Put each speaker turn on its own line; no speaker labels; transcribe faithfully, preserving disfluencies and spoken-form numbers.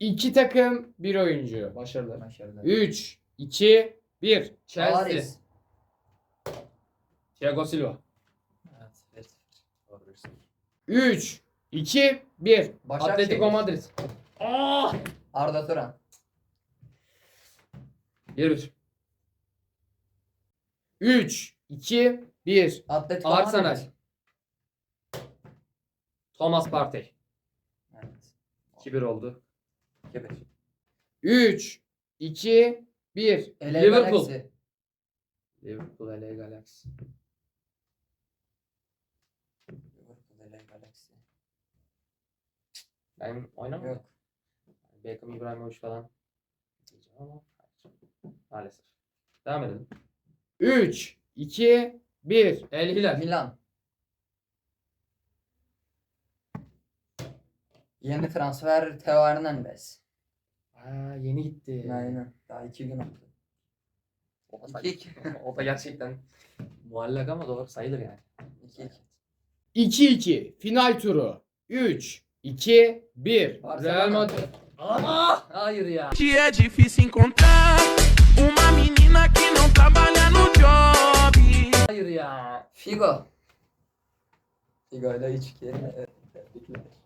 İki takım, bir oyuncu.
Başarılar.
Başarılar.
üç, iki, bir.
Chelsea.
Paris.
Thiago Silva.
Evet. bir sıfır.
Doğru bir sıfır.
üç, iki, bir.
Başakşehir.
Atletico Madrid. Aa!
Arda Turan.
bir bir.
üç, iki, bir.
Atletico
Arsenal.
Madrid.
Thomas Partey.
Evet.
iki bir oldu.
iki bir.
üç, iki, bir.
L A
Liverpool.
Galaxy.
Liverpool L A Galaxy.
Liverpool L A Galaxy.
Ben oynamıyorum.
Yok.
Beckham, İbrahimovic falan diyeceğim ama hayır. Maalesef. Devam edelim.
üç, iki, bir.
El Hilal.
Milan. Yeni transfer Theo Hernandez.
Aa, yeni gitti.
Aynen. Daha iki gün oldu.
O da,
iki iki.
o da gerçekten muallak ama doğru sayılır yani.
iki iki.
iki, iki. Final turu. üç, iki, bir.
Barcelona.
Real Madrid. Aa, hayır ya.
Que é difícil encontrar uma menina que não trabalha no job.
Hayır ya.
Figo. Figo ile üç iki. Evet, tebrikler.